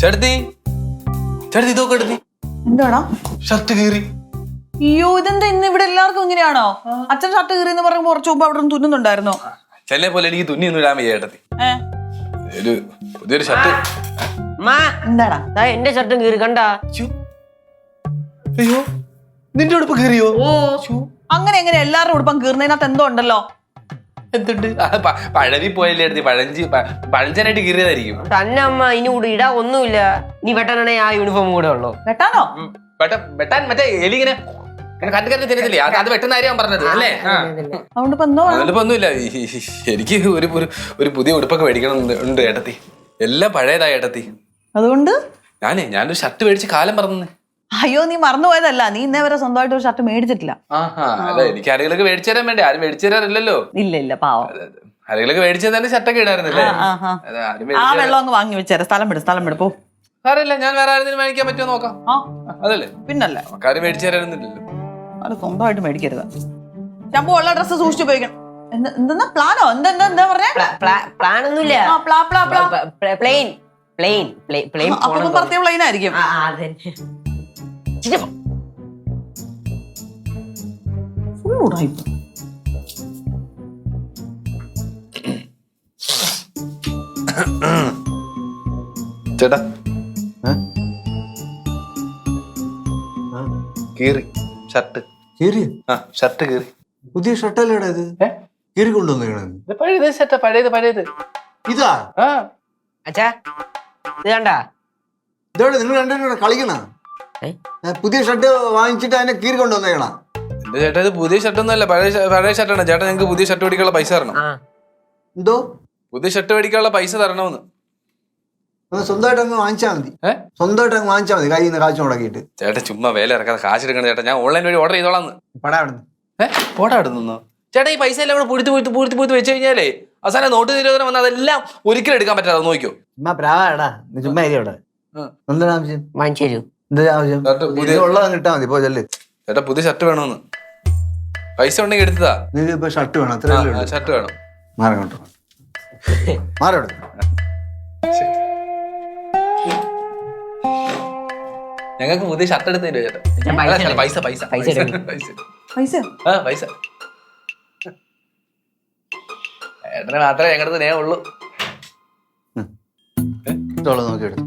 ചേട്ടത്തി ചേട്ടത്തി ഇതൊക്കെ എടുത്തി എന്താടാ ഷർട്ട് കീറി. അയ്യോ ഇതെന്താ ഇന്ന് ഇവിടെ എല്ലാവർക്കും ഇങ്ങനെയാണോ? അച്ഛൻ ഷർട്ട് കീറി എന്ന് പറയുമ്പോ കുറച്ച് മുമ്പ് അവിടെ നിന്ന് തുന്നുന്നുണ്ടായിരുന്നോ? ചെന്നെ പോലെ എനിക്ക് തുന്നിയൊന്നും ഇടാൻ വയ്യ ചേട്ടത്തി. ഒരു പുതിയൊരു ഷർട്ട്. എന്താടാ എന്റെ ഷർട്ടും കീറി കണ്ടാ? അയ്യോ നിന്റെ ഉടുപ്പ് കീറിയോ? അങ്ങനെ എങ്ങനെ എല്ലാവരുടെ ഉടുപ്പം കീറുന്നതിനകത്ത് എന്തോ ഉണ്ടല്ലോ. എന്തുണ്ട്? പഴവി പോയല്ലേ എടുത്തി പഴഞ്ചനായിട്ട് കീറിയതായിരിക്കും. തന്നെ അമ്മ ഇനി കൂടെ ഇടാ ഒന്നുമില്ല. ഇനി വെട്ടാനാണെ ആ യൂണിഫോം കൂടെ ഉള്ളു. വെട്ടാനോ? വെട്ടാൻ മറ്റേ എലി ഇങ്ങനെ കണ്ടു തിന്നത്തില്ലേ, അത് വെട്ടുന്ന കാര്യം പറഞ്ഞത് അല്ലേ? അതുകൊണ്ട് ഇപ്പൊ എന്തോ അതിലിപ്പോ ഒന്നുമില്ല. എനിക്ക് ഒരു പുതിയ ഉടുപ്പൊക്കെ മേടിക്കണം ഉണ്ട് ഏട്ടത്തി. എല്ലാം പഴയതായി ഏട്ടത്തി. അതുകൊണ്ട് ഞാനൊരു ഷർട്ട് മേടിച്ച് കാലം പറഞ്ഞു. അയ്യോ നീ മറന്നുപോയതല്ല, നീ ഇന്നേ വരെ സ്വന്തമായിട്ട് ഒരു ഷർട്ട് മേടിച്ചിട്ടില്ല. അല്ല എനിക്ക് ആരെങ്കിലൊക്കെ മേടിച്ചു തരാൻ വേണ്ടി. ആരും മേടിച്ചു തരാറില്ലല്ലോ. ഇല്ല പാവം. ആരെങ്കിലൊക്കെ മേടിച്ചു തന്നെ ഷർട്ടൊക്കെ ഇടാറുന്നല്ലേ. ആ വെള്ളം അങ്ങ് വാങ്ങി വെച്ചേരാ. സ്ഥലം വിട് പോ. അറിയില്ല, ഞാൻ വേറെ ആരെങ്കിലും മേടിക്കാൻ പറ്റുമോ നോക്കാം. അതല്ലേ പിന്നല്ലേ ആരും മേടിച്ചു തരാനൊന്നുമില്ലല്ലോ. അത് സ്വന്തമായിട്ട് മേടിക്കരുത്. ഞാൻ ഉള്ള ഡ്രസ്സ് സൂക്ഷിച്ചു ഉപയോഗിക്കണം. എന്താ പ്ലാനോ? എന്താ പറഞ്ഞേ? പ്ലാൻ ഒന്നുമില്ല. പ്ലെയിൻ പ്രത്യേക പ്ലെയിൻ ആയിരിക്കും. ചേട്ടാ കീറി ഷർട്ട്. കീറി? ഷർട്ട് കീറി. പുതിയ ഷർട്ടല്ലേടാ ഇത്? കീറി കൊണ്ടുവന്നേക്കണത്? പഴയത് ഷർട്ടാ. പഴയത് ഇതാ? അച്ഛാ ഇത് കണ്ടാ? ഇതോടെ നിങ്ങൾ രണ്ടുപേരും കളിക്കണ? പുതിയ ഷർട്ട് വാങ്ങിച്ചിട്ട് അതിനെ കീറി കൊണ്ടുവന്നേക്കണ? എന്റെ ചേട്ടാ ഇത് പുതിയ ഷർട്ടൊന്നും അല്ല, പഴയ ഷർട്ടാണ്. ചേട്ടാ ഞങ്ങൾക്ക് പുതിയ ഷർട്ട് മേടിക്കാനുള്ള പൈസ തരണം. എന്തോ പുതിയ ഷർട്ട് മേടിക്കാനുള്ള പൈസ തരണമെന്ന്. സ്വന്തമായിട്ട് അങ്ങ് വാങ്ങിച്ചാൽ മതി. സ്വന്തമായിട്ട് അങ്ങ് വാങ്ങിച്ചാൽ മതി, കയ്യിൽ നിന്ന് കാശ് മുടക്കിയിട്ട്. ചേട്ടാ ചുമ്മാ വേല ഇറക്കാതെ കാശ് എടുക്കണം ചേട്ടാ. ഞാൻ ഓൺലൈൻ വഴി ഓർഡർ ചെയ്തോളാന്ന്. പടാ അവിടുന്ന്. പോടാ അടുന്നോ ചേട്ടാ. ഈ പൈസ എല്ലാം പൂഴ്ത്തി വെച്ച് കഴിഞ്ഞാലേ അവസാനം നോട്ട് നിരോധനം വന്നാൽ അതെല്ലാം ഒരിക്കലും എടുക്കാൻ പറ്റാതെ നോക്കിയോ. ചുമ്മാ പ്രാവാടാ, ചുമ്മാ ഇവിടെ എന്താണ് ആവശ്യം? വാങ്ങിച്ചു തരൂ. എന്താ ആവശ്യം? ഉള്ളതങ്ങ് ഇട്ടാ മതി. പോ ചെല്ല്. ചേട്ടാ പുതിയ ഷർട്ട് വേണമെന്ന്. പൈസ ഉണ്ടെങ്കിൽ എടുത്തതാ. നിങ്ങൾക്ക് ഇപ്പൊ ഷർട്ട് വേണം? അത്ര ഷർട്ട് വേണം. മാറങ്ങോട്ടോ, മാറോടെ. ഞങ്ങൾക്ക് പുതിയ ഷർട്ട് എടുത്ത് തരുമോ ചേട്ടാ? പൈസ ഏട്ടനെ മാത്രമേ ഞങ്ങളുടെ സ്നേഹം ഉള്ളൂ. നോക്കിയെടുത്തു.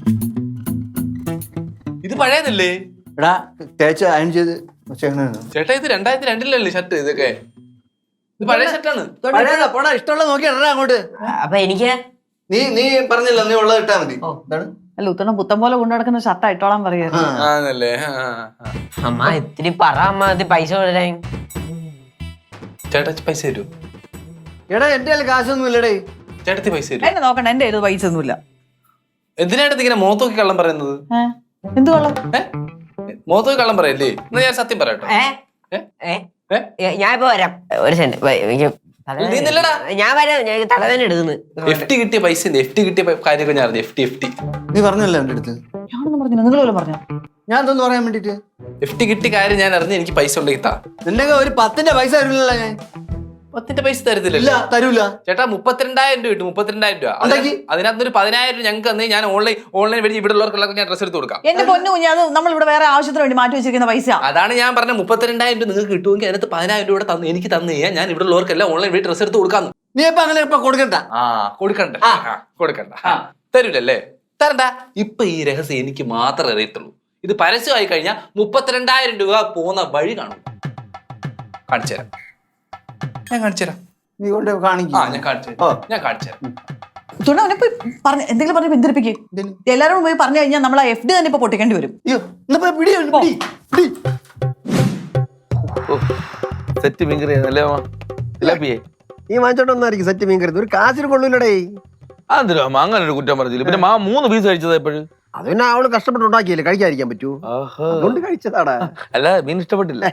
ഇത് പഴയതല്ലേ എടാ? തേച്ച് അയൺ ചെയ്ത് ചേട്ടാ. ഇത് 2002 ഷർട്ട്. ഇതൊക്കെ ഇത് പഴയ ഷർട്ടാണ്. പോടാ, ഇഷ്ടമുള്ള നോക്കിയാ അങ്ങോട്ട്. അപ്പൊ എനിക്ക് നീ പറഞ്ഞില്ല, നീ ഉള്ളത് ഇട്ടാ മതി. അല്ല ഉത്തണം പുത്തം പോലെ കൊണ്ടു നടക്കുന്ന ഷർട്ട് ഇട്ടോളാൻ പറയാ. ആണല്ലേ? അമ്മ ഇത്തിരി പറ അമ്മ, ഇത് പൈസ കൊടുക്കാൻ. ചേട്ടാ പൈസ തരൂ. എടാ എന്റെ കയ്യിൽ കാശൊന്നും ഇല്ലടേ. ചേട്ടത്തി പൈസ തരൂ. എന്നെ നോക്കണ്ട, എന്റെ കയ്യിൽ പൈസ ഒന്നുമില്ല. എന്തിനായിട്ട് ഇങ്ങനെ മോത്തോക്കി കള്ളം പറയുന്നത്? എന്ത് കൊള്ളാം? മോത്തോക്കി കള്ളം പറയല്ലേ? എന്നാ ഞാൻ സത്യം പറയട്ടോ. ഞാൻ ഇപ്പൊ വരാം. ഒരു സെന്റ് ഞാൻ വരാം. ഞാൻ തലവേദന എടുക്കുന്നു. എഫ്ടി കിട്ടിയ പൈസ കാര്യമൊക്കെ ഞാൻ അറിഞ്ഞു. എഫ്ടി നീ പറഞ്ഞല്ലോ എന്റെ അടുത്ത്. ഞാനൊന്നും പറഞ്ഞു, നിങ്ങൾ പോലും പറഞ്ഞു. ഞാൻ എന്തൊന്നും പറയാൻ വേണ്ടിട്ട്? എഫ്ടി കിട്ടിയ കാര്യം ഞാൻ അറിഞ്ഞു. എനിക്ക് പൈസ ഉണ്ടെങ്കിൽ താ. നിന്റെ ഒരു 10ന്റെ പൈസ തരില്ലല്ലോ ഞാൻ. 10ന്റെ പൈസ തരത്തില്ല. തരൂല ചേട്ടാ. 32,000 രൂപ കിട്ടും. 32,000 രൂപ. അതിനകത്ത് ഒരു 10,000 ഞങ്ങൾക്ക് തന്നെ ഞാൻ ഓൺലൈൻ വഴി ഇവിടെ ഉള്ളവർക്കുള്ള ഞാൻ ഡ്രസ് എടുത്ത് കൊടുക്കാം. എന്റെ പൊന്നു കുഞ്ഞ്, അത് നമ്മൾ ഇവിടെ വേറെ ആവശ്യത്തിന് വേണ്ടി മാറ്റി വെച്ചിരിക്കുന്ന പൈസ. അതാണ് ഞാൻ പറഞ്ഞ 32,000 രൂപ നിങ്ങൾക്ക് കിട്ടുമെങ്കിൽ അതിനകത്ത് 10,000 രൂപ എനിക്ക് തന്നു കഴിഞ്ഞാൽ ഞാൻ ഇവിടെ ഉള്ളവർക്കെല്ലാം ഓൺലൈൻ വഴി ഡ്രസ് എടുത്ത് കൊടുക്കാന്ന്. നീ ഇപ്പൊ അങ്ങനെ കൊടുക്കണ്ട. കൊടുക്കണ്ട. തരൂലല്ലേ? തരണ്ട. ഇപ്പൊ ഈ രഹസ്യം എനിക്ക് മാത്രമേ അറിയത്തുള്ളൂ. ഇത് പരസ്യമായി കഴിഞ്ഞാൽ 32,000 രൂപ പോകുന്ന വഴി കാണും. കാണിച്ചു തരാം. ഞാൻ കാണിച്ചു തരാം. നീ കൊണ്ട് കാണിക്കും. ഞാൻ കാണിച്ചു തരാം. എന്തെങ്കിലും പറഞ്ഞ് പിന്തിരിപ്പിക്കും. എല്ലാവരും പോയി പറഞ്ഞു കഴിഞ്ഞാൽ നമ്മൾ ആ FD തന്നെ ഇപ്പൊ പൊട്ടിക്കേണ്ടി വരും. സെറ്റ് മീൻകറി അല്ലേ നീ വാങ്ങിച്ചോണ്ടൊന്നായിരിക്കും സെറ്റ് മീൻ കരുത്. ഒരു കാശിന് കൊള്ളൂലടേ. അതെന്തോ അങ്ങനെ ഒരു കുറ്റം പറഞ്ഞില്ല. പിന്നെ 3 പീസ് കഴിച്ചത് എപ്പോഴും? അത് പിന്നെ അവള് കഷ്ടപ്പെട്ട് ഉണ്ടാക്കിയല്ലേ, കഴിക്കാതിരിക്കാൻ പറ്റൂ. അതുകൊണ്ട് കഴിച്ചതാടാ. അല്ല മീൻ ഇഷ്ടപ്പെട്ടില്ല.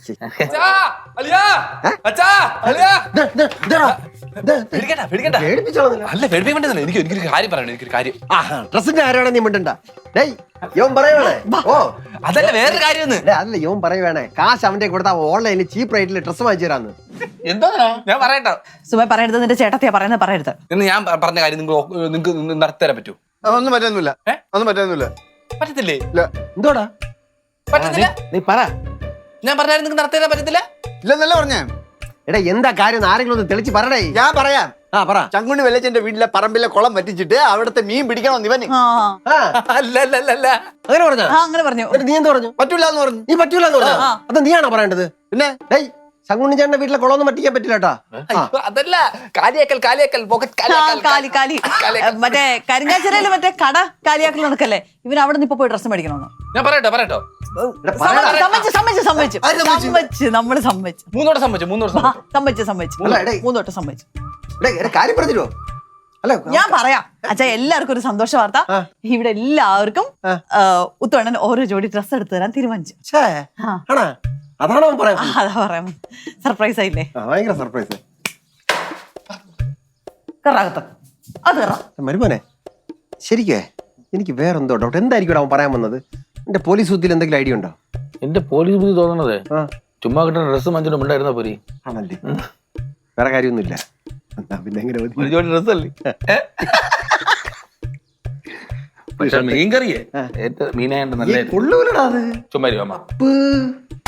എനിക്കൊരു കാര്യം പറയണം. എനിക്കൊരു കാര്യം. ഡ്രസ്സിന്റെ ആരാണ് നീ മിണ്ടണ്ട. യോൻ പറയുവാണേ. ഓ അതല്ല വേറൊരു കാര്യം. അതല്ല യോൻ പറയുവാണേ, കാശ് അവന്റെ കൊടുത്താ ഓൺലൈനിൽ ചീപ്പ് റേറ്റിൽ ഡ്രസ്സ് വാങ്ങിച്ചു തരാന്ന്. എന്താ ഞാൻ പറയട്ടോ? സുമ പറയരുത്, നിന്റെ ചേട്ടത്തിയാ പറയുന്നത് പറയരുത്. എന്ന് ഞാൻ പറഞ്ഞ കാര്യം നിങ്ങൾക്ക് നടത്തി തരാൻ പറ്റൂ? ഒന്നും പറ്റുന്നില്ല ഏ? ഒന്നും പറ്റുന്നില്ല പറ്റത്തില്ലേ? ഇല്ല എന്തോടാ പറ്റത്തില്ല. നീ പറ ഞാൻ പറഞ്ഞാലും നിങ്ങൾക്ക് നടത്തി തരാൻ പറ്റത്തില്ല. ഇല്ലെന്നല്ല പറഞ്ഞേ. എടാ എന്താ കാര്യം എന്ന് ആരെങ്കിലും ഒന്ന് തെളിച്ച് പറയടേ. ഞാൻ പറയാം. ആ പറ. ചങ്കുണ്ണി വെള്ളച്ചന്റെ വീട്ടിലെ പറമ്പിലെ കുളം വറ്റിച്ചിട്ട് അവിടുത്തെ മീൻ പിടിക്കണം ഇവന്. ആ ആ, അല്ല അല്ല അല്ല അല്ല. അങ്ങനെ പറഞ്ഞ ആ, അങ്ങനെ പറഞ്ഞു. നീ എന്ത് പറഞ്ഞു? പറ്റൂല എന്ന് പറഞ്ഞു. നീ പറ്റൂല എന്ന് പറഞ്ഞു. അത് നീയാണോ പറയേണ്ടത്? പിന്നെ ഡേയ് ശങ്കുണ്ണി ചേട്ടന്റെ വീട്ടിലെ കുളമൊന്നും പറ്റിക്കാൻ പറ്റില്ല കേട്ടാ. അയ്യോ, അതല്ല. കാലിയാക്കൽ കാലിയാക്കൽ പോക്കറ്റ് ആ, കാലി കാലി മറ്റേ കരിങ്കാച്ചിറയില് മറ്റേ കട കാലിയാക്കൽ നടക്കല്ലേ, ഇവൻ അവിടെ നിന്ന് ഇപ്പൊ പോയി ഡ്രസ്സ് മേടിക്കണമെന്ന്. ഞാൻ പറയട്ടോ പറയട്ടോ. നമ്മള് സമ്മതിച്ചു. മൂന്നോട്ട് സമ്മതിച്ചു. അല്ല, എടേ. മൂന്നോട്ട് സമ്മതിച്ചു. കാര്യം പറഞ്ഞിരുവോ? അല്ല ഞാൻ പറയാം അച്ഛാ, എല്ലാവർക്കും ഒരു സന്തോഷ വാർത്ത. ഇവിടെ എല്ലാവർക്കും ഉത്തവണ്ണൻ ഓരോ ജോഡി ഡ്രസ്സ് എടുത്തു തരാൻ തീരുമാനിച്ചു. ഛേ, ആ. ആണോ? അതാണോ അവൻ പറയാൻ? അതാ പറയാം, സർപ്രൈസ് ആയില്ലേ? ഭയങ്കര സർപ്രൈസ്. കറാകത്ത് അത് കറ. മരുമോനെ ശരിക്കേ എനിക്ക് വേറെന്തോ ഡൗട്ട്. എന്തായിരിക്കും അവൻ പറയാൻ വന്നത്? എന്റെ പോലീസ് ബുദ്ധിയിൽ എന്തെങ്കിലും ഐഡിയ ഉണ്ടോ? എന്റെ പോലീസ് ബുദ്ധി തോന്നണതേ ആ ചുമ്മാ കിട്ടുന്ന ഡ്രസ്സ് മഞ്ചിനും ഉണ്ടായിരുന്ന പോരി. ആണല്ലേ? വേറെ കാര്യമൊന്നുമില്ല. എന്നാ പിന്നെ എങ്ങനെ മതി? ഒരു ജോഡി ഡ്രസ്സല്ലേ. പക്ഷെ മീൻ കറിയേ ഏറ്റവും മീനായിട്ട് നല്ല കൊള്ളൂലടാ അത്. ചുമ്മാ അമ്മ ഉപ്പ്